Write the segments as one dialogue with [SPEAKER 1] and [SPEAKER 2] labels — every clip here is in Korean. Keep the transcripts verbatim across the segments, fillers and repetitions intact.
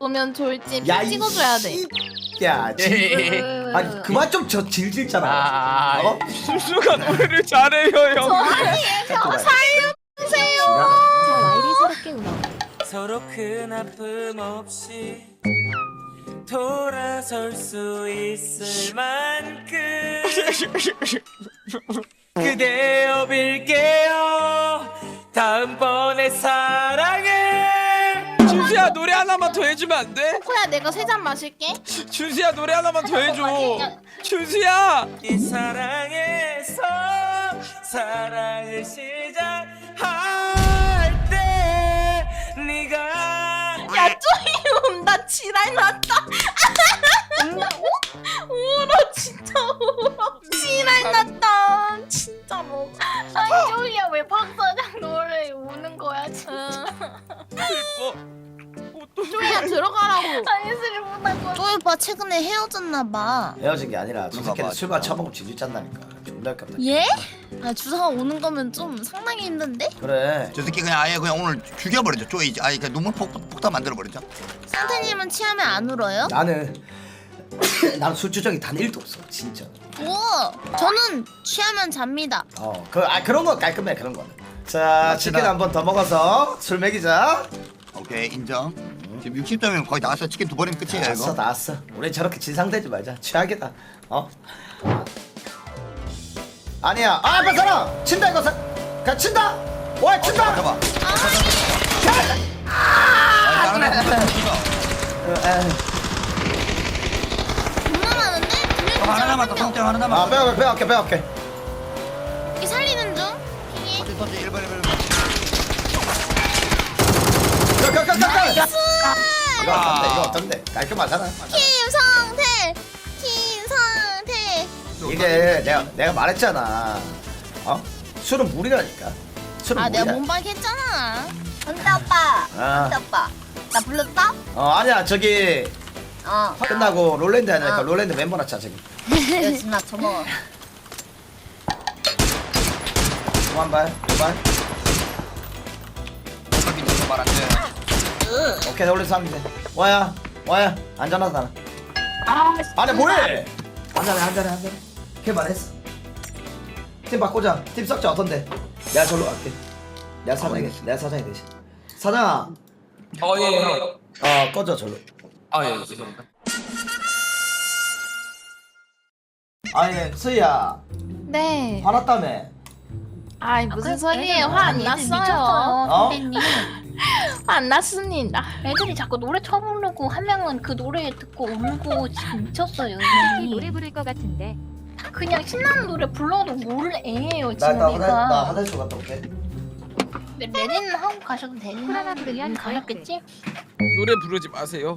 [SPEAKER 1] 바꾸면 좋을지
[SPEAKER 2] 야,
[SPEAKER 1] 픽 찍어줘야 돼.
[SPEAKER 2] 야, 질... 아니 그만 좀 저 질질잖아.
[SPEAKER 3] 아,
[SPEAKER 2] 어?
[SPEAKER 3] 순수가 노래를 잘해요 형.
[SPEAKER 1] 살려주세요.
[SPEAKER 4] 자, 와이리 새롭게 운영.
[SPEAKER 5] 서로 큰 아픔 없이 돌아설 수 있을 만큼 그대여 빌게요 다음번에 사랑해.
[SPEAKER 3] 준수야 노래 하나만 더 해주면 안 돼?
[SPEAKER 1] 코야 내가 세 잔 마실게.
[SPEAKER 3] 준수야 노래 하나만 더 해줘. 준수야.
[SPEAKER 5] 이 사랑에서 사랑을 시작할 때 네가
[SPEAKER 1] 야 쪼이 온다. 지랄 났다. 울어 진짜 울어. 지랄 났다. 진짜로.
[SPEAKER 6] 아니 쪼이야 왜 박사장 노래 우는 거야 진짜.
[SPEAKER 3] 슬퍼.
[SPEAKER 1] 쪼이야 들어가라고.
[SPEAKER 6] 아니 슬프다고.
[SPEAKER 4] 쪼이 오빠 최근에 헤어졌나봐.
[SPEAKER 2] 헤어진 게 아니라 저
[SPEAKER 7] 그런가
[SPEAKER 2] 새끼는
[SPEAKER 7] 봐.
[SPEAKER 2] 술만 처먹고 질질 짠다니까. 존나 아깝다.
[SPEAKER 4] 예? 아 주사가 오는 거면 좀 상당히 힘든데?
[SPEAKER 2] 그래.
[SPEAKER 7] 저 새끼 그냥 아예 그냥 오늘 죽여버리죠. 쪼이 아예 그냥 눈물 폭, 폭탄 만들어버리죠.
[SPEAKER 4] 상태님은 취하면 안 울어요?
[SPEAKER 2] 나는 나는 술 주정이 단 일도 없어. 진짜.
[SPEAKER 4] 오, 저는 취하면 잡니다.
[SPEAKER 2] 어, 그, 아 그런 거 깔끔해 그런 거는. 자,
[SPEAKER 7] 맞지다.
[SPEAKER 2] 치킨 한 번 더 먹어서 술 먹이자.
[SPEAKER 7] 오케이 인정. 지금 육십 점이면 거의 나왔어. 치킨 두 번이면 끝이에요
[SPEAKER 2] 나왔어,
[SPEAKER 7] 이거.
[SPEAKER 2] 나왔어. 우리 저렇게 진상되지 말자. 최악이다. 어? 아니야. 아, 앞에 사람 친다 이거 사. 그냥 친다. 와, 친다.
[SPEAKER 7] 잡아.
[SPEAKER 2] 아,
[SPEAKER 7] 아, 다른 애 붙어.
[SPEAKER 2] 어, 에.
[SPEAKER 4] 겁나 많은데? 분명히
[SPEAKER 7] 어, 하나 남았다.
[SPEAKER 4] 명.
[SPEAKER 7] 성태 하나
[SPEAKER 2] 아,
[SPEAKER 7] 남았다.
[SPEAKER 2] 빼갈게, 빼갈게, 빼갈게.
[SPEAKER 4] 이 살리는 중. 핑이.
[SPEAKER 7] 터치 터치 일 번 일 번.
[SPEAKER 2] 가, 가, 가, 가, 가.
[SPEAKER 4] 나이스!
[SPEAKER 2] 이거 어떤데? 이거 어떤데? 깔끔하잖아.
[SPEAKER 4] 김성태! 김성태!
[SPEAKER 2] 이게 내가 내가 말했잖아. 어? 술은 물이라니까. 술은
[SPEAKER 4] 아
[SPEAKER 2] 물이야.
[SPEAKER 4] 내가 몸박 했잖아.
[SPEAKER 6] 근데 오빠.
[SPEAKER 2] 아,
[SPEAKER 6] 근데 오빠. 나 불렀어?
[SPEAKER 2] 어 아니야 저기
[SPEAKER 6] 어.
[SPEAKER 2] 끝나고 롤랜드 하니까
[SPEAKER 6] 아.
[SPEAKER 2] 롤랜드 멤버 낳자 저기.
[SPEAKER 6] 요즘 나 저먹어.
[SPEAKER 2] 두한 발, 두 발.
[SPEAKER 7] 여기 있는 거말안 돼.
[SPEAKER 2] 오케이 올려서 하면 돼. 와야, 와야. 안전하다 나는. 아, 아니 뭐해? 한잔해, 한잔해, 한잔해. 개발했어. 팀 바꾸자. 팀 썩자 어떤데? 내가 절로 갈게. 내가 사장이, 내가 사장이 되시. 사장아,
[SPEAKER 3] 어 예. 형.
[SPEAKER 2] 어 꺼져 절로.
[SPEAKER 3] 아 예. 죄송합니다.
[SPEAKER 2] 아니 수희야,
[SPEAKER 1] 네.
[SPEAKER 2] 화났다며.
[SPEAKER 1] 아이 무슨
[SPEAKER 6] 아,
[SPEAKER 1] 소리예요?
[SPEAKER 6] 애들
[SPEAKER 1] 화 안
[SPEAKER 6] 애들
[SPEAKER 1] 났어요.
[SPEAKER 6] 미쳤어요
[SPEAKER 2] 어?
[SPEAKER 6] 선배님.
[SPEAKER 1] 화 안 났습니다.
[SPEAKER 6] 애들이 자꾸 노래 쳐부르고 한 명은 그 노래 듣고 울고 지금 미쳤어요.
[SPEAKER 4] 노래 부를 것 같은데.
[SPEAKER 6] 다 그냥 신나는 노래 불러도 모를 애예요
[SPEAKER 2] 나
[SPEAKER 6] 지금
[SPEAKER 2] 나 화장 나
[SPEAKER 6] 애가.
[SPEAKER 2] 화장실 갔다 올게.
[SPEAKER 6] 근데 레디는 하고 가셔도 되는
[SPEAKER 4] 하나 부르면
[SPEAKER 6] 가셨겠지?
[SPEAKER 3] 노래 부르지 마세요.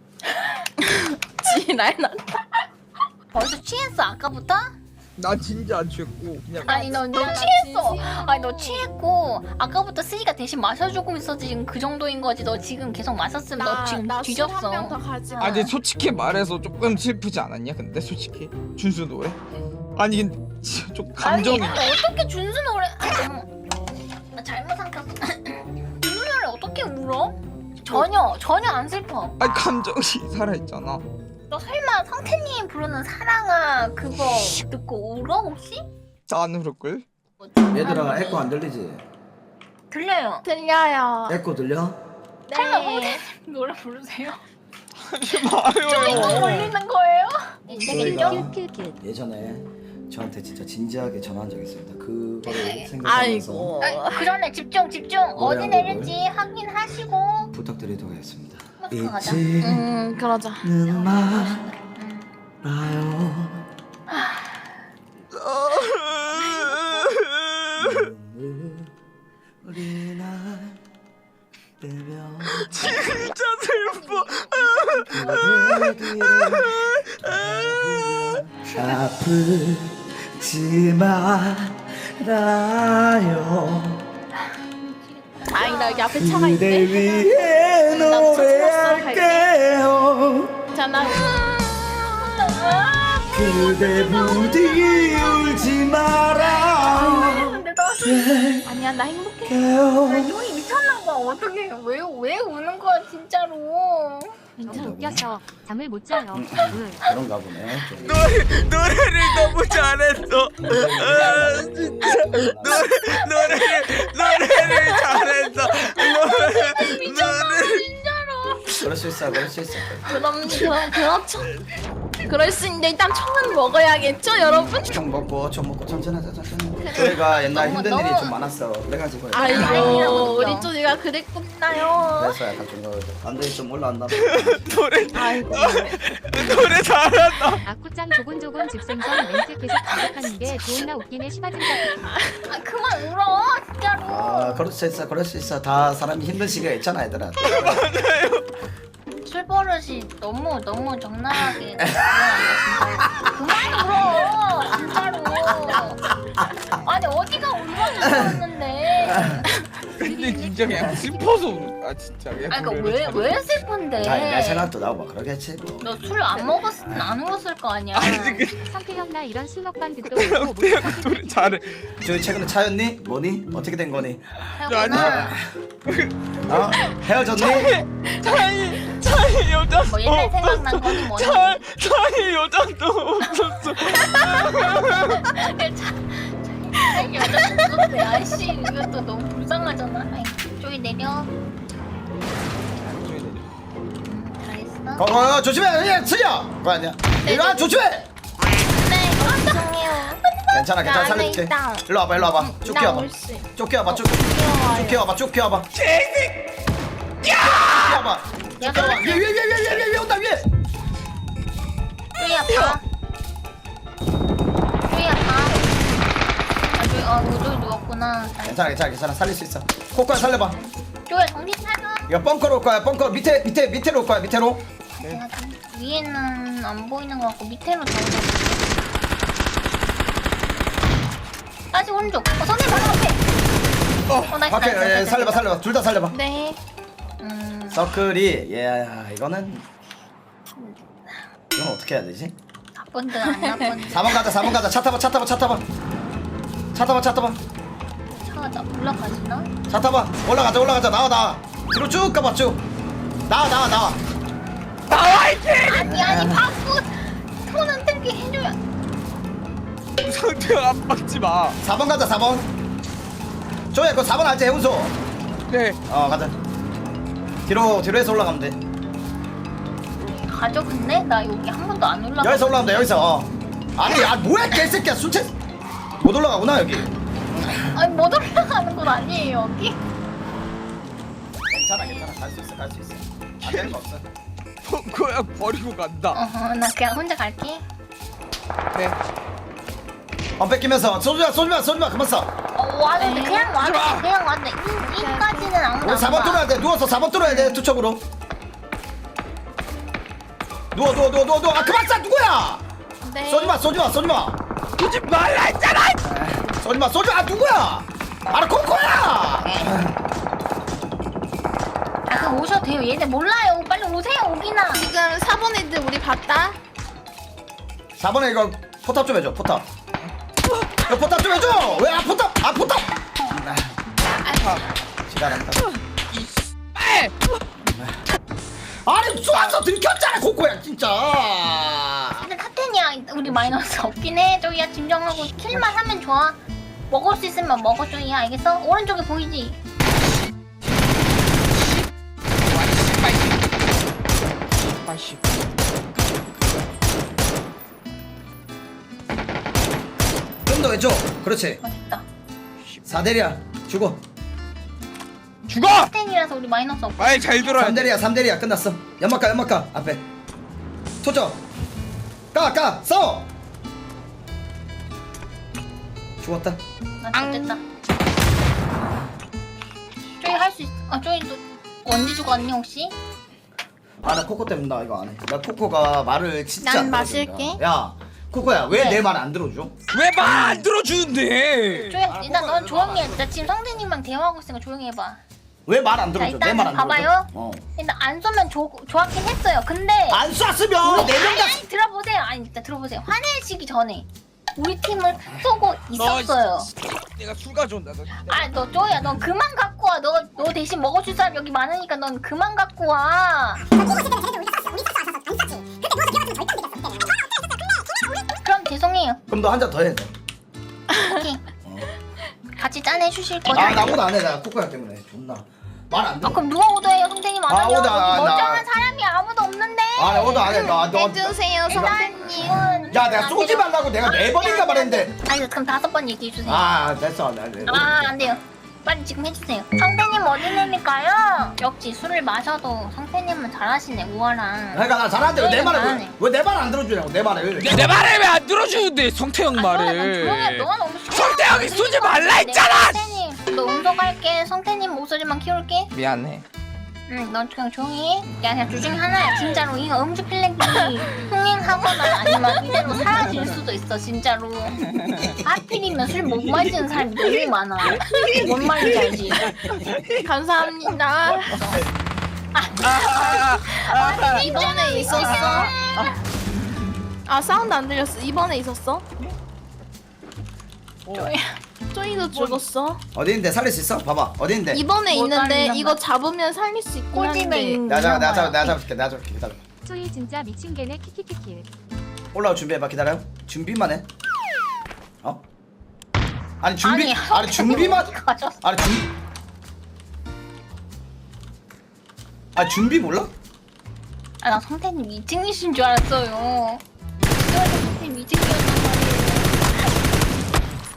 [SPEAKER 1] 지랄 났다.
[SPEAKER 6] 벌써 취했어 아까부터?
[SPEAKER 3] 나 진짜 안 취했고 그냥.
[SPEAKER 6] 아니 너, 너
[SPEAKER 1] 나
[SPEAKER 6] 취했어.
[SPEAKER 1] 진심이야.
[SPEAKER 6] 아니 너 취했고 아까부터 쓰이가 대신 마셔주고 있었지 지금 그 정도인 거지. 너 지금 계속 마셨으면 너 지금 뒤졌어.
[SPEAKER 1] 나술한병더 가지 마.
[SPEAKER 3] 아 근데 솔직히 말해서 조금 슬프지 않았냐? 근데 솔직히 준수 노래? 아니 근데 진짜 좀 감정이.
[SPEAKER 6] 아니 어떻게 준수 노래? 아, 어머. 나 잘못 삼켰어. 준수 노래 어떻게 울어? 전혀 전혀 안 슬퍼.
[SPEAKER 3] 아니 감정이 살아있잖아.
[SPEAKER 6] 너 설마 성태님 부르는 사랑아 그거 듣고 울어 혹시?
[SPEAKER 3] 안 울을걸?
[SPEAKER 2] 얘들아 에코 안 들리지?
[SPEAKER 6] 들려요.
[SPEAKER 1] 들려요.
[SPEAKER 2] 에코 들려?
[SPEAKER 6] 설마 성태님 노래 부르세요?
[SPEAKER 3] 하지 마요.
[SPEAKER 6] 이거 걸리는 거예요?
[SPEAKER 2] 저희가
[SPEAKER 4] 큐큐큐.
[SPEAKER 2] 예전에 저한테 진짜 진지하게 전화한 적이 있습니다. 그거를 생각하면서
[SPEAKER 1] 아이고.
[SPEAKER 6] 그 전에 집중 집중
[SPEAKER 2] 노래
[SPEAKER 6] 어디
[SPEAKER 2] 한
[SPEAKER 6] 내릴지 확인하시고
[SPEAKER 2] 부탁드리도록 하겠습니다.
[SPEAKER 6] 가자.
[SPEAKER 1] 음 그러자.
[SPEAKER 2] 잊지는 말아요. 우리 날 빼면
[SPEAKER 3] 진짜 슬퍼.
[SPEAKER 2] 아프지 말아요.
[SPEAKER 1] 아니 나 여기 앞에 차가
[SPEAKER 2] 그대
[SPEAKER 1] 있네.
[SPEAKER 2] 위해 노래할게요.
[SPEAKER 1] 자 나.
[SPEAKER 2] 그대 부디 울지 말아요.
[SPEAKER 6] 근데 나
[SPEAKER 1] 아니야 나 행복해.
[SPEAKER 2] 깨요.
[SPEAKER 6] 형이 미쳤나 봐. 어떻게 왜 왜 우는 거야 진짜로?
[SPEAKER 8] 왠지 웃겨서 잠을 못 자요.
[SPEAKER 2] 음,
[SPEAKER 8] 응.
[SPEAKER 2] 그런가 보네. 좀.
[SPEAKER 5] 노래, 노래를 너무 잘했어. 아, 진짜 노래, 노래를 노래를 잘했어. 노래, 노래.
[SPEAKER 2] 그럴 수 있어, 그럴 수 있어.
[SPEAKER 1] 그럼 그럼 그렇죠. 그럴 수 있는데 일단 총은 먹어야겠죠, 여러분?
[SPEAKER 2] 총 먹고 총 먹고 천천히 하자, 천천히. 저희가 옛날
[SPEAKER 4] 너무,
[SPEAKER 2] 힘든 일이
[SPEAKER 4] 너무-
[SPEAKER 2] 좀 많았어. 그래가지고.
[SPEAKER 1] 아이고 우리 쪼이가 그랬군나요.
[SPEAKER 2] 그래서 약간 좀 더 감정이 좀 올라왔나 봐.
[SPEAKER 5] 노래,
[SPEAKER 1] 아이고.
[SPEAKER 5] 노래 잘한다.
[SPEAKER 8] 아쿠짱 조곤조곤 집생선 멘트 계속 반복하는 게 존나 웃기네. 시바진자.
[SPEAKER 6] 아 그만 울어 진짜로.
[SPEAKER 2] 아, 그럴 수 있어, 그럴 수 있어. 다 사람이 힘든 시기가 있잖아, 얘들아.
[SPEAKER 6] 술버릇이 너무 너무 적나라하게 일어난다, 진짜로. 그만 울어 진짜로. 아니 어디가 울어줬었는데.
[SPEAKER 3] 근데 진짜 그냥 슬퍼서 우- 아 진짜 그냥
[SPEAKER 6] 아 그러니까
[SPEAKER 3] 노래를
[SPEAKER 6] 왜
[SPEAKER 3] 잘해.
[SPEAKER 6] 왜 슬픈데?
[SPEAKER 2] 아, 내 생각도 나오고 그러겠지. 뭐.
[SPEAKER 6] 너 술 안 먹었으면 안 울었을 거 아니야.
[SPEAKER 3] 아니 그
[SPEAKER 8] 성태형 나 이런 술 먹방 듣도 못하고
[SPEAKER 3] 태양 노래 잘해.
[SPEAKER 2] 저희 최근에 차였니? 뭐니? 어떻게 된 거니?
[SPEAKER 6] 하구나.
[SPEAKER 2] 어? 헤어졌니?
[SPEAKER 5] 차이, 차이 여자.
[SPEAKER 6] 뭐 옛날 생각난 거니 뭐니.
[SPEAKER 5] 차, 차이 여자도 없었어.
[SPEAKER 6] 아니 여자 죽었대. 아이씨 이것도 너무 불쌍하잖아. 아이 저기 내려. 음, 잘했어.
[SPEAKER 2] 거, 거, 조심해, 예, 승희야. 그거 아니야. 이거 조심해.
[SPEAKER 6] 네 죄송해요.
[SPEAKER 2] 괜찮아, 괜찮아,
[SPEAKER 1] 나
[SPEAKER 2] 살릴게.
[SPEAKER 1] 안에 있다.
[SPEAKER 2] 일로 와봐, 일로 와봐. 쭉
[SPEAKER 1] 나
[SPEAKER 2] 키워봐.
[SPEAKER 1] 옳지.
[SPEAKER 2] 쭉 키워봐, 쭉.
[SPEAKER 1] 귀여워요.
[SPEAKER 2] 쭉 키워봐, 쭉 키워봐. 키워봐.
[SPEAKER 6] 내가
[SPEAKER 2] 위에, 위에, 위에, 위에, 위에, 위에 온다, 위에.
[SPEAKER 6] 쪼이 아파. 쪼이 아파. 아 쪼이 아 이거 쪼이 누웠구나.
[SPEAKER 2] 괜찮아, 괜찮아, 괜찮아. 살릴 수 있어. 코코야 살려봐.
[SPEAKER 6] 쪼이 정신 차려.
[SPEAKER 2] 이거 벙커로 올 거야, 벙커 밑에, 밑에, 밑에로 올 거야, 밑에로.
[SPEAKER 6] 제가 좀 위에는 안 보이는 것 같고 밑에로 잡아볼게. 다시 오른쪽. 어 선생님 바로 앞에. 어 나이스
[SPEAKER 2] 밖에,
[SPEAKER 6] 나이스,
[SPEAKER 2] 예,
[SPEAKER 6] 나이스,
[SPEAKER 2] 살려봐,
[SPEAKER 6] 나이스.
[SPEAKER 2] 살려봐. 둘 다 살려봐.
[SPEAKER 1] 네.
[SPEAKER 6] 음
[SPEAKER 2] 서클이, 예, 이거는. 이건 어떻게 해야 되지?
[SPEAKER 6] 나쁜데 안 나쁜데.
[SPEAKER 2] 사 번 가자, 사 번 가자. 차 타봐, 차 타봐, 차 타봐. 차 타봐, 차 타봐.
[SPEAKER 6] 차가 나 올라가지나?
[SPEAKER 2] 차 타봐. 올라가자, 올라가자. 나와, 나와. 뒤로 쭉 가봐, 쭉. 나와, 나와, 나와.
[SPEAKER 5] 나와 이제.
[SPEAKER 6] 아니 아니 바꾸 손은 들게 해줘야.
[SPEAKER 3] 상태가 압박지 마.
[SPEAKER 2] 사 번 가자, 사 번. 조야, 그거 사 번 알지, 해운소?
[SPEAKER 3] 네.
[SPEAKER 2] 어, 가자. 뒤로, 뒤로 해서 올라가면 돼.
[SPEAKER 6] 가져 근데 나 여기 한 번도 안 올라가.
[SPEAKER 2] 여기서 올라가면 돼, 여기서. 어. 아니, 야, 뭐야, 개새끼야. 순체. 못 올라가구나, 여기.
[SPEAKER 6] 아니 못 올라가는 건 아니에요 여기.
[SPEAKER 2] 괜찮아, 괜찮아. 갈 수 있어, 갈 수 있어. 안 되는 거 없어.
[SPEAKER 3] 벙커야 버리고 간다.
[SPEAKER 6] 어허 나 그냥 혼자 갈게.
[SPEAKER 3] 네.
[SPEAKER 2] 안 뺏기면서. 쏘지마, 쏘지마, 쏘지마. 그만 쏴.
[SPEAKER 6] 어 와도 돼 그냥 와도 돼 그냥 와도 돼. 이 이까지는 아무도
[SPEAKER 2] 우리
[SPEAKER 6] 안
[SPEAKER 2] 사 번
[SPEAKER 6] 봐.
[SPEAKER 2] 뚫어야 돼. 누워서 사 번 뚫어야 돼, 투척으로. 누워, 누워, 누워, 누워, 누워. 아, 그만 쏴, 누구야?
[SPEAKER 1] 네.
[SPEAKER 2] 쏘지마, 쏘지마, 쏘지마.
[SPEAKER 5] 오지 말라 했잖아.
[SPEAKER 2] 쏘지마, 쏘지마. 아, 누구야? 아, 코코야.
[SPEAKER 6] 아 그럼 오셔도 돼요. 얘네 몰라요. 빨리 오세요 오기나.
[SPEAKER 1] 지금 사 번 애들 우리 봤다.
[SPEAKER 2] 사 번에 이거 포탑 좀 해줘, 포탑. 이거 포탑 좀 해줘. 왜? 아, 포탑. 아, 포탑. 아, 지랄한다. 아니, 쏘아서 들켰잖아, 코코야, 진짜.
[SPEAKER 6] 근데 탑텐이야. 우리 마이너스 없긴 해. 저기야 진정하고 킬만 하면 좋아. 먹을 수 있으면 먹어 저기야 알겠어? 오른쪽에 보이지?
[SPEAKER 3] 아씨.
[SPEAKER 2] 좀 더 해줘. 그렇지.
[SPEAKER 6] 맛있다.
[SPEAKER 2] 사 대리야. 죽어.
[SPEAKER 3] 죽어.
[SPEAKER 6] 탑텐이라서 우리 마이너스 없고.
[SPEAKER 3] 말 잘 들어야
[SPEAKER 2] 삼
[SPEAKER 3] 돼.
[SPEAKER 2] 대리야, 삼 대리야. 끝났어. 연막가, 연막가. 앞에. 토적. 까, 까. 싸워. 죽었다.
[SPEAKER 6] 나 됐다. 쪼이 할 수 있어. 아 쪼이 너 언제 죽었니 혹시?
[SPEAKER 2] 아, 나 코코 때문에 나 이거 안 해. 나 코코가 말을 진짜
[SPEAKER 1] 난
[SPEAKER 2] 안
[SPEAKER 1] 마실게.
[SPEAKER 2] 들어준다. 야, 코코야. 왜
[SPEAKER 6] 네.
[SPEAKER 2] 내 말 안 들어줘?
[SPEAKER 3] 왜 말 안 들어주는데?
[SPEAKER 6] 쪼이
[SPEAKER 2] 아,
[SPEAKER 6] 일단
[SPEAKER 2] 코코야,
[SPEAKER 6] 넌 조용히 해.
[SPEAKER 2] 왜
[SPEAKER 6] 나 지금 성대님이랑 대화하고 있으니까 조용히 해봐.
[SPEAKER 2] 왜 말 안
[SPEAKER 6] 자
[SPEAKER 2] 들어줘? 내 말
[SPEAKER 6] 일단
[SPEAKER 2] 안 들어줘?
[SPEAKER 6] 봐봐요.
[SPEAKER 2] 어.
[SPEAKER 6] 일단 안 쏘면 조, 좋았긴 했어요. 근데
[SPEAKER 2] 안 쐈으면 네 명
[SPEAKER 6] 아니,
[SPEAKER 2] 다.
[SPEAKER 6] 아니 들어보세요. 아니 일단 들어보세요. 화내시기 전에 우리 팀을 쏘고 있었어요.
[SPEAKER 3] 내가 술 가져온다. 너.
[SPEAKER 6] 아 너 쪼이야 너 그만 갖고 와. 오빠 너 너 대신 먹어줄 사람 여기 많으니까 넌 그만 갖고 와. 그럼 죄송해요.
[SPEAKER 2] 그럼 너 한 잔 더 해.
[SPEAKER 6] 오케이. 같이 짠해 주실 거죠?
[SPEAKER 2] 아 나보다 안 해. 나 코코야 때문에 존나 말 안
[SPEAKER 6] 아,
[SPEAKER 2] 들어.
[SPEAKER 6] 그럼 누가 오더해요? 성태님 안
[SPEAKER 2] 아,
[SPEAKER 6] 하면
[SPEAKER 2] 오더, 아,
[SPEAKER 6] 여기 멀쩡한
[SPEAKER 2] 나-
[SPEAKER 6] 사람이 아무도 없는데.
[SPEAKER 2] 아 오더 안 해. 나 너.
[SPEAKER 1] 해주세요 성태님.
[SPEAKER 2] 야 내가 쏘지 말라고 내가 네 번인가 말했는데.
[SPEAKER 6] 아니 그럼 다섯 번 얘기해 주세요.
[SPEAKER 2] 아 됐어. 나 네.
[SPEAKER 6] 아, 안 돼요. 빨리 지금 해주세요. 성태님 어디 내밀까요? 역시 술을 마셔도 성태님은 잘하시네, 우아랑.
[SPEAKER 2] 그러니까 나 잘하는데 왜 내 말을
[SPEAKER 6] 잘하네.
[SPEAKER 2] 왜 내 말 안 들어주냐고 내 말을.
[SPEAKER 5] 내 말을 왜 안 들어주는데 성태형
[SPEAKER 6] 조용해,
[SPEAKER 5] 말을.
[SPEAKER 6] 너가 너무
[SPEAKER 5] 성태형이 쏘지 말라 했잖아!
[SPEAKER 6] 성태님, 너 음소갈게. 성태님 목소리만 키울게.
[SPEAKER 3] 미안해.
[SPEAKER 6] 응, 넌 그냥 조용히 해. 야, 그냥 둘 중에 하나야. 진짜로 이 음주 필렉이 흥행하거나 아니면 이대로 사라질 수도 있어, 진짜로. 하필이면 술 못 마시는 사람이 너무 많아. 뭔 말인지 알지?
[SPEAKER 1] 감사합니다. 이번에 있었어. 아 사운드 안 들렸어. 이번에 있었어? 쪼이 쪼이도 죽었어.
[SPEAKER 2] 어디 있는데 살릴 수 있어? 봐봐 어디 있는데.
[SPEAKER 1] 이번에
[SPEAKER 6] 뭐
[SPEAKER 1] 있는데
[SPEAKER 6] 다른
[SPEAKER 1] 이거 잡으면 살릴 수 있긴
[SPEAKER 6] 꼴집에
[SPEAKER 1] 한데.
[SPEAKER 6] 있는
[SPEAKER 2] 내가 잡 내가 잡
[SPEAKER 6] 거야.
[SPEAKER 2] 내가 잡을게 내가 잡을게 기다려.
[SPEAKER 8] 쪼이 진짜 미친 개네 키키키키.
[SPEAKER 2] 올라올 준비해봐 기다려. 준비만 해. 어? 아니 준비
[SPEAKER 6] 아니,
[SPEAKER 2] 아니 준비만
[SPEAKER 6] 가져왔어.
[SPEAKER 2] 아니 준 아 준비 몰라?
[SPEAKER 6] 아, 나 성태님 미팅이신 줄 알았어요. 그래서 성태님 미팅이었단 말이에요.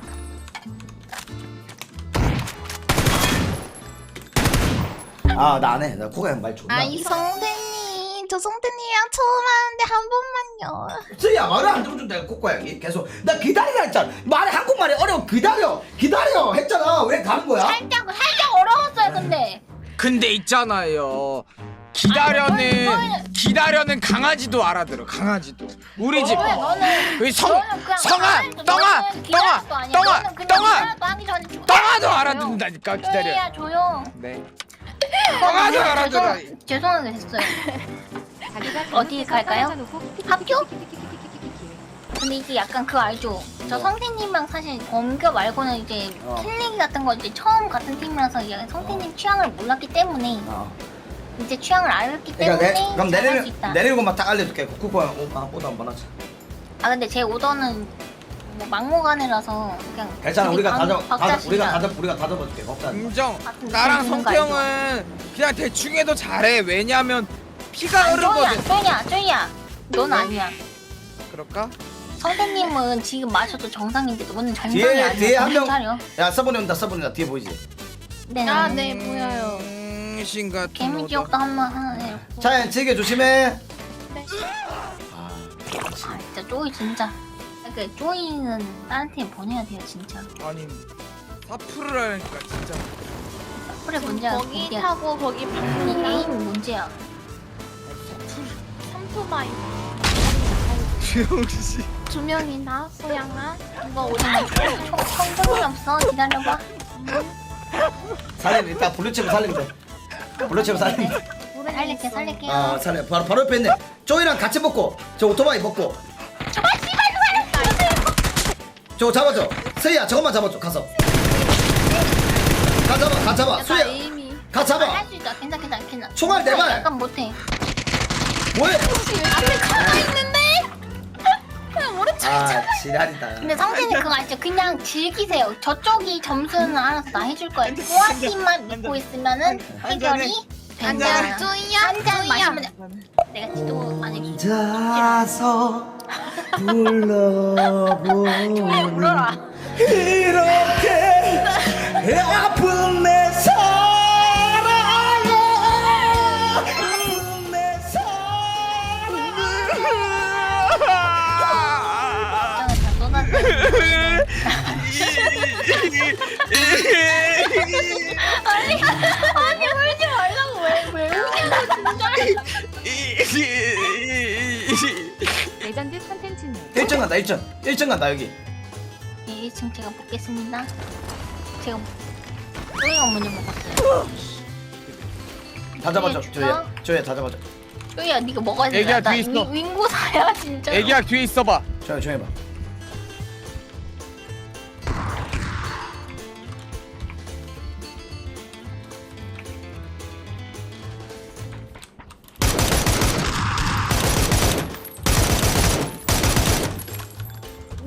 [SPEAKER 2] 아 나 안 해. 나 코가 형 말 존나.
[SPEAKER 1] 아이 성태님 저 성태님이랑 처음 하는데 한 번만요.
[SPEAKER 2] 쓰야 말을 안 들어준다 내가 코코 형이 계속 나 기다리라 했잖아. 말이 한국말이 어려워. 기다려 기다려 했잖아. 왜 가는 거야?
[SPEAKER 6] 살짝 살짝 어려웠어요, 근데.
[SPEAKER 3] 근데 있잖아요. 기다려는
[SPEAKER 6] 아니, 너는-
[SPEAKER 3] 기다려는 강아지도 알아들어. 강아지도. 우리 집.
[SPEAKER 6] 왜 너는
[SPEAKER 3] 우리 성
[SPEAKER 6] 너는 그냥
[SPEAKER 3] 성아
[SPEAKER 6] 가만히
[SPEAKER 3] 똥아
[SPEAKER 6] 너는 기다렸도
[SPEAKER 3] 똥아
[SPEAKER 6] 아니야.
[SPEAKER 3] 똥아
[SPEAKER 6] 너는 그냥
[SPEAKER 3] 똥아
[SPEAKER 6] 기다렸도 하기 전에 죽-
[SPEAKER 3] 똥아도
[SPEAKER 6] 조용.
[SPEAKER 3] 알아듣는다니까. 기다려.
[SPEAKER 6] 조용히야, 조용.
[SPEAKER 3] 네. 똥아도 알아들어.
[SPEAKER 6] 죄송, 죄송하게 됐어요.
[SPEAKER 8] 자기가
[SPEAKER 6] 어디 갈까요? 학교? 근데 이게 약간 그 알죠? 저
[SPEAKER 2] 뭐?
[SPEAKER 6] 성태님이랑 사실 검교 말고는 이제
[SPEAKER 2] 어.
[SPEAKER 6] 킬리기 같은 거 이제 처음 같은 팀이라서 이제 성태님 취향을 몰랐기 때문에
[SPEAKER 2] 어.
[SPEAKER 6] 이제 취향을 알았기
[SPEAKER 2] 그러니까
[SPEAKER 6] 때문에
[SPEAKER 2] 내, 그럼
[SPEAKER 6] 잘할 수
[SPEAKER 2] 내리는
[SPEAKER 6] 있다.
[SPEAKER 2] 내리는 것만 딱 알려줄게. 코코 형 오빠 오다 한번 하자.
[SPEAKER 6] 아 근데 제 오더는 뭐 막무가내라서 그냥
[SPEAKER 2] 괜찮아
[SPEAKER 6] 둘이
[SPEAKER 2] 우리가
[SPEAKER 6] 방-
[SPEAKER 2] 다 잡, 다,
[SPEAKER 6] 박자
[SPEAKER 2] 우리가
[SPEAKER 6] 시작.
[SPEAKER 2] 다 잡, 우리가 다 잡아줄게. 걱정. 마.
[SPEAKER 3] 인정.
[SPEAKER 6] 같은
[SPEAKER 3] 나랑
[SPEAKER 6] 느낌 드는 거
[SPEAKER 3] 성태형은 그냥 대충 해도 잘해. 왜냐면 피가
[SPEAKER 6] 아니, 쪼이야,
[SPEAKER 3] 흐르거든.
[SPEAKER 6] 쪼이야, 쪼이야. 넌 아니야.
[SPEAKER 3] 그럴까?
[SPEAKER 6] 성태님은 지금 마셔도 정상인데 너는 정상이
[SPEAKER 2] 뒤에
[SPEAKER 6] 아니야.
[SPEAKER 2] 뒤에 한 명.
[SPEAKER 6] 정신 차려.
[SPEAKER 2] 야 서버니 온다 서버니 온다 뒤에 보이지?
[SPEAKER 6] 네.
[SPEAKER 1] 아 네 보여요.
[SPEAKER 3] 음, 신 같은
[SPEAKER 6] 개미지옥도 한번 하나 해놓고.
[SPEAKER 2] 자 즐겨 조심해.
[SPEAKER 1] 네.
[SPEAKER 2] 아,
[SPEAKER 6] 아 진짜 쪼이 진짜. 그 쪼이는 다른 팀 보내야 돼요 진짜.
[SPEAKER 3] 아니 사프를 하니까 진짜.
[SPEAKER 6] 그래 문제야.
[SPEAKER 1] 거기
[SPEAKER 6] 문제야.
[SPEAKER 1] 타고 거기
[SPEAKER 6] 이
[SPEAKER 1] 방금
[SPEAKER 6] 게임 문제야.
[SPEAKER 1] 삼투바이
[SPEAKER 3] 주영씨.
[SPEAKER 1] 두 명이나 소양아. 이거 오늘
[SPEAKER 6] 청소년 없어. 기다려봐.
[SPEAKER 2] 살림 일단 블루칩을 살리면 돼. 블루칩을 살리면 돼.
[SPEAKER 6] 살릴게 살릴게요.
[SPEAKER 2] 아 살려 바로 바로 옆에 있네. 쪼이랑 같이 먹고 저 오토바이 먹고.
[SPEAKER 6] 저거 씨발
[SPEAKER 2] 저거 잡아줘. 스이야 저것만 잡아줘 가서. 가 잡아 가 잡아.
[SPEAKER 1] 나
[SPEAKER 2] 수야
[SPEAKER 1] 에임이.
[SPEAKER 2] 가 잡아.
[SPEAKER 6] 할수 있다. 괜찮 괜찮 괜찮.
[SPEAKER 2] 총알 네 발.
[SPEAKER 6] 약간 못해.
[SPEAKER 2] 뭐해?
[SPEAKER 1] 앞에 가나 있는데. 그냥 모른 척.
[SPEAKER 2] 아 지랄이다.
[SPEAKER 6] 근데 성태님 그거 아시죠? 그냥 즐기세요. 저쪽이 점수는 알아서 다 해줄 거예요. 우아팀만 믿고 있으면은 해결이
[SPEAKER 1] 한잔
[SPEAKER 6] 된다.
[SPEAKER 1] 쪼이야.
[SPEAKER 6] 한잔 마시면 돼. 내가 지도 만약에
[SPEAKER 2] 혼자서 불러보니
[SPEAKER 6] 울어라.
[SPEAKER 2] 이렇게 아픈 내 사랑아 아픈 내 사랑아
[SPEAKER 6] 다 쏟았네. 아니 아니 울지 말라고 왜왜 울냐고 진짜.
[SPEAKER 8] 레전드 컨텐츠네.
[SPEAKER 2] 일 점 간다 일 점 일 점 간다 여기.
[SPEAKER 6] 네, 일 층 제가 먹겠습니다. 제가 쪼이가 먼저 먹었어요.
[SPEAKER 2] 다 잡아줘
[SPEAKER 6] 줄까?
[SPEAKER 2] 조야 조야 다 잡아줘.
[SPEAKER 6] 쪼이야 네가 먹어야 돼.
[SPEAKER 3] 애기야,
[SPEAKER 6] 나
[SPEAKER 3] 뒤에 있어.
[SPEAKER 6] 윙- 윙고사야 진짜.
[SPEAKER 3] 애기야 뒤에 있어봐.
[SPEAKER 2] 조야 조용히 봐.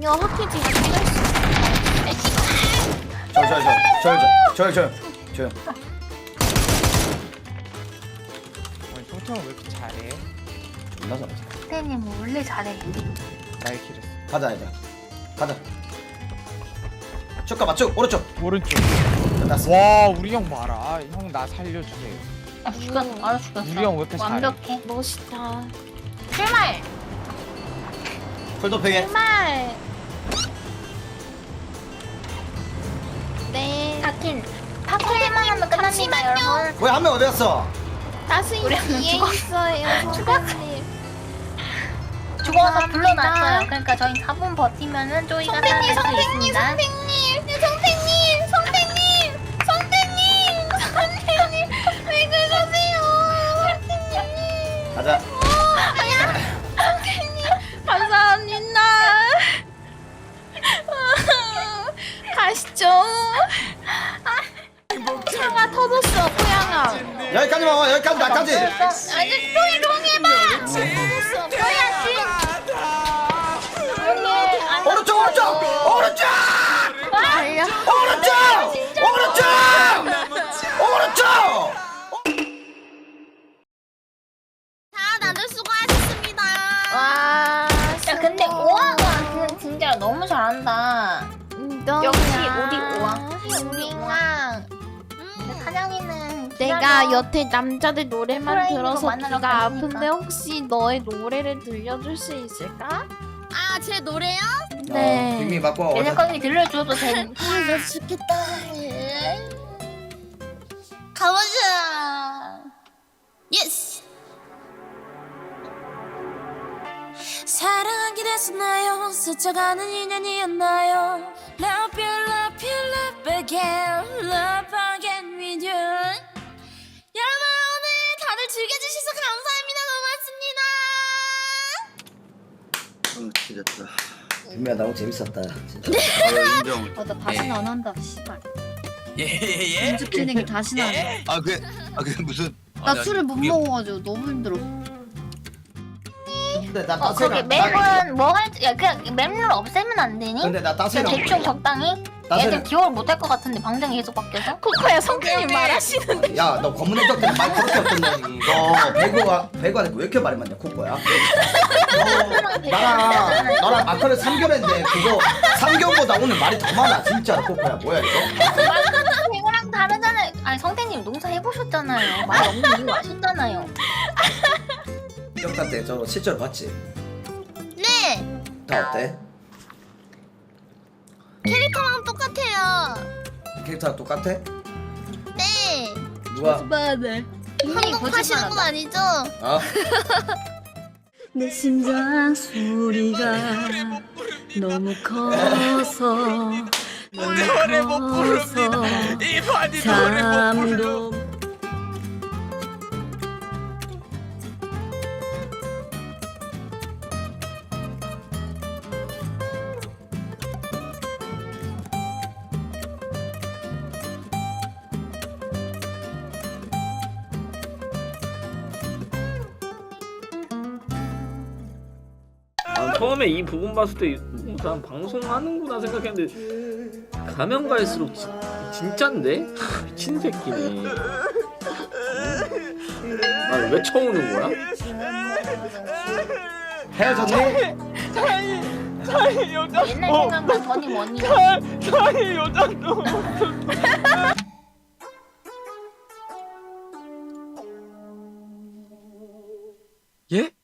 [SPEAKER 1] 이거 확실히 찍을 수
[SPEAKER 2] 저저저저저저저저
[SPEAKER 3] 아니 송태형 왜 이렇게 잘해?
[SPEAKER 2] 존나 잘하지.
[SPEAKER 6] 선생님 원래 잘해.
[SPEAKER 3] 날 길했어.
[SPEAKER 2] 가자 얘들아. 가자. 쭉 가봐 쭉 오른쪽.
[SPEAKER 3] 오른쪽.
[SPEAKER 2] 끝났어.
[SPEAKER 3] 와 우리 형 봐라. 형 나 살려주세요.
[SPEAKER 6] 아 죽였어. 알아 죽였어.
[SPEAKER 3] 우리 형 왜 이렇게 잘해?
[SPEAKER 6] 완벽해.
[SPEAKER 1] 멋있다.
[SPEAKER 6] 출발.
[SPEAKER 2] 풀도팽해.
[SPEAKER 1] 정말. 네.
[SPEAKER 6] 파킨. 파킨만 하면 끝납니다 여러분.
[SPEAKER 2] 뭐야 한 명 어디 갔어?
[SPEAKER 1] 따스히
[SPEAKER 6] 우리 한명
[SPEAKER 1] 뒤에
[SPEAKER 6] 죽었어.
[SPEAKER 1] 있어요, 선생님.
[SPEAKER 6] 죽어서 불러놨어요. 그러니까 저희 사 분 버티면은 쪼이가 살아날 수 있습니다.
[SPEAKER 1] 선생님, 선생님, 선생님, 선생님, 선생님, 왜 그러세요? 선생님.
[SPEAKER 2] 가자.
[SPEAKER 1] 선생님, 감사합니다. 가시죠. 차가 터졌어, 고양아.
[SPEAKER 2] 여기까지만 와 여기까지 나까지.
[SPEAKER 1] 아니, 쪼이 동해봐.
[SPEAKER 6] 쪼이야씨.
[SPEAKER 2] 오른쪽 오른쪽 오른쪽
[SPEAKER 1] 달려.
[SPEAKER 2] 오른쪽 오른쪽 오른쪽.
[SPEAKER 4] 자, 다들 수고하셨습니다.
[SPEAKER 1] 와.
[SPEAKER 6] 야 근데 오아가 그 진짜 너무 잘한다. 역시 우리 오아.
[SPEAKER 1] 우리 오아.
[SPEAKER 6] 근데 사장님은
[SPEAKER 1] 내가
[SPEAKER 6] 기다려.
[SPEAKER 1] 여태 남자들 노래만
[SPEAKER 6] 프라이팬
[SPEAKER 1] 들어서
[SPEAKER 6] 만나러
[SPEAKER 1] 귀가
[SPEAKER 6] 갈
[SPEAKER 1] 아픈데
[SPEAKER 6] 테니까.
[SPEAKER 1] 혹시 너의 노래를 들려줄 수 있을까?
[SPEAKER 4] 아, 제 노래요?
[SPEAKER 1] 네.
[SPEAKER 2] 빅미 맞고 와.
[SPEAKER 6] 얘네 거기 들려줘도 돼.
[SPEAKER 4] 아, 나 죽겠다. 가보자. 예스. 사랑하게 됐었나요? 스쳐가는 인연이었나요? Love you, love you, love again, love again with you. 여러분 오늘 다들 즐겨주셔서 감사합니다. 고맙습니다.
[SPEAKER 7] 어 지렸다.
[SPEAKER 2] 빅미야 너무 재밌었다. 진짜.
[SPEAKER 7] 어, 인정.
[SPEAKER 4] 어, 나 다시는 안 한다. 씨발.
[SPEAKER 7] 예예예.
[SPEAKER 4] 연습 진행을 다시는 안 해.
[SPEAKER 7] 아 그게 아 그게 무슨?
[SPEAKER 4] 나
[SPEAKER 7] 아,
[SPEAKER 4] 술을 못
[SPEAKER 7] 그게-
[SPEAKER 4] 먹어가지고 너무 힘들어.
[SPEAKER 2] 근데 나
[SPEAKER 6] 어 거기
[SPEAKER 2] 따세랑.
[SPEAKER 6] 맵은 뭐 할지 야 그냥 맵룰 없애면 안 되니?
[SPEAKER 2] 근데 나
[SPEAKER 6] 그냥
[SPEAKER 2] 따세랑.
[SPEAKER 6] 대충 적당히.
[SPEAKER 2] 따세랑.
[SPEAKER 6] 애들 기억을 못 할 것 같은데 방장이 계속 바뀌어서.
[SPEAKER 1] 코코야 성격이 말하시는데.
[SPEAKER 2] 야, 너 검은 애적들은 말 그렇게 없던데. 너 배구가 배구한테 왜 이렇게 말이 많냐, 코코야? 너 나랑 너랑 마크를 삼 개월인데 그거 삼 개월보다 오늘 말이 더 많아, 진짜로 코코야. 뭐야 이거?
[SPEAKER 6] 이거랑 다르잖아요. 아니 성태님 농사 해보셨잖아요. 말 없는 이유 아셨잖아요.
[SPEAKER 2] 기억날 때저 실제로 봤지?
[SPEAKER 4] 네.
[SPEAKER 2] 다 어때?
[SPEAKER 4] 캐릭터랑 똑같아요.
[SPEAKER 2] 캐릭터랑 똑같아?
[SPEAKER 4] 네.
[SPEAKER 2] 누가?
[SPEAKER 4] 한국하시는 건 아니죠?
[SPEAKER 2] 어?
[SPEAKER 9] 내 심장 소리가 너무 커서
[SPEAKER 5] 노래 못 부릅니다. 이 바디 노래 못 부릅니다.
[SPEAKER 9] 잠도
[SPEAKER 10] 아, 처음에 이 부분 봤을 때 난 방송하는구나 생각했는데 가면 갈수록 지, 진짠데? 미친 새끼네. 날 왜 쳐오는 거야?
[SPEAKER 2] 헤어졌니?
[SPEAKER 3] 차이 차이 여자.
[SPEAKER 6] 옛날
[SPEAKER 3] 어,
[SPEAKER 6] 생각만 더니 뭐니.
[SPEAKER 3] 차 차이 여자도. 예?